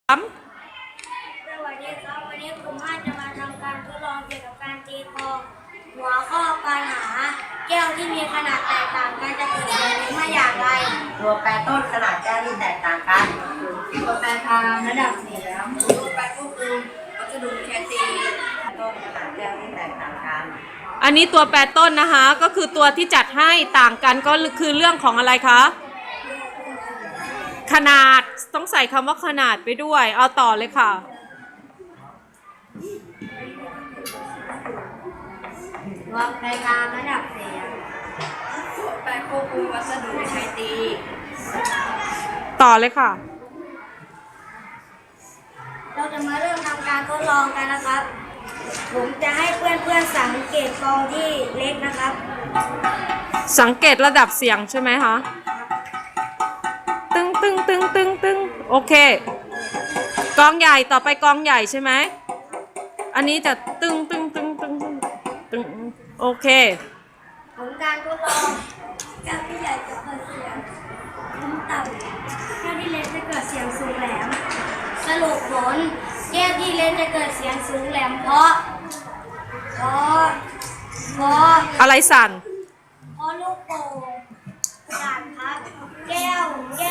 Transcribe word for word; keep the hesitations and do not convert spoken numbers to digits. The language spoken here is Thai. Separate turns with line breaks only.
สวัสดีครับวันนี้กลุ่มห้าจะมาทำการทดลองเกี่ยวกับการตีกลองหัวข้อการหาแก้วที่มีขนาดแตกต่างกันจะเกิดผลมาอย่างไร
ตัวแปรต้นขนาดแก้วที่แตกต่างกัน
ตัวแปรทางระดับเสียงตัวแปรควบคุมวัสดุแคตี
ต้นขนาดแก้วที่แตกต่างกัน
อันนี้ตัวแปรต้นนะคะก็คือตัวที่จัดให้ต่างกันก็คือเรื่องของอะไรคะขนาดต้องใส่คำว่าขนาดไปด้วยเอาต่อเลยค่ะ
ตัวแปรทางระดับเสียงตัวแปรควบคุมวัสดุแคตี
ต่อเลยค่ะ
เราจะมาเริ่มทำการทดลองกันนะครับผมจะให้เพื่อนๆสังเกตกลองที่เล็กนะครับ
สังเกตระดับเสียงใช่ไหมคะตึงตึงตึงตึงตึงโอเคกลองใหญ่ต่อไปกลองใหญ่ใช่ไหมอันนี้จะตึงตึงตึงตึงตึงโอเค
ผลการทดลองแก้วที่ใหญ่จะเกิดเสียงต่ำแก้วที่เล็กจะเกิดเสียงสูงแหลมสรุปผลแก้วที่เล็กจะเกิดเสียงสูงแหลมเพราะเพราะเพราะ
อะไรสั่น
เพราะลูกโป่งสั่นครับแก้วแก้ว